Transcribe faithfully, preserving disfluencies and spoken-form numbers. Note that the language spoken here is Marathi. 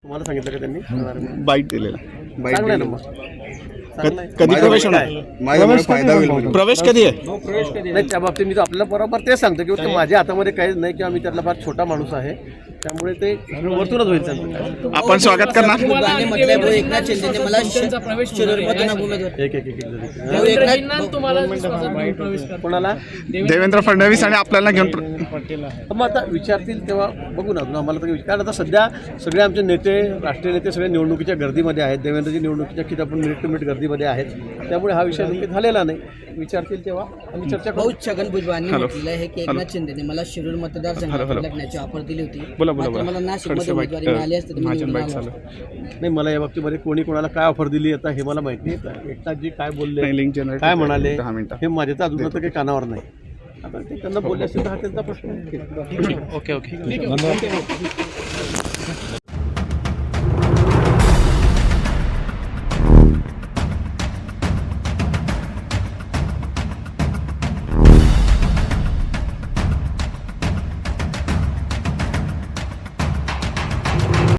तुम्हाला सांगितलं का त्यांनी बाईट दिलेला चांगलं आहे ना मग चांगलं आहे. कधी प्रवेश होणार माझ्यामुळे फायदा होईल. प्रवेश कधी आहे नाही त्या बाबतीत मी तर आपल्याला बरोबर तेच सांगतो की ते माझ्या हातामध्ये काहीच नाही किंवा मी त्यातला फार छोटा माणूस आहे त्यामुळे ते वरतूनच होईल सांगतो. आपण स्वागत करणार एकनाथ शिंदेने मला शिरूरमधून उमेदवार एक एक एक एक जण. भाऊ एकनाथ तुम्हाला कोणाला देवेंद्र फडणवीस आणि आपल्याला घेऊन प्र- मग आता विचारतील तेव्हा बघू ना अजून आम्हाला तर कारण आता सध्या सगळे आमचे नेते राष्ट्रीय नेते सगळे निवडणुकीच्या गर्दीमध्ये आहेत. देवेंद्रजी निवडणुकीच्या किती आपण मिनिट टू मिनिट गर्दीमध्ये आहेत त्यामुळे हा विषय नेमके झालेला नाही. विचारतील तेव्हा आम्ही चर्चा करू. भाऊ छगन भुजबळांनी म्हटलेलं आहे की एकनाथ शिंदेने मला शिरूर मतदारसंघात लढण्याची ऑफर दिली होती. बोला बोला मात्र मला बोला नाशिकमध्ये उमेदवारी मिळाली असते तर मी महाजन निवडून बाईट आलो चालू असतो. नाही मला या बाबतीमध्ये कोणी कोणाला काय ऑफर दिली आता हे मला माहिती नाही. एकनाथजी काय बोलले नाही, link generate काय म्हणाले दहा मिनिटं. हे माझ्या तर अजून तर काही कानावर नाही. आता ते त्यांना बोलले असेल तर हा त्यांचा प्रश्न आहे. Okay okay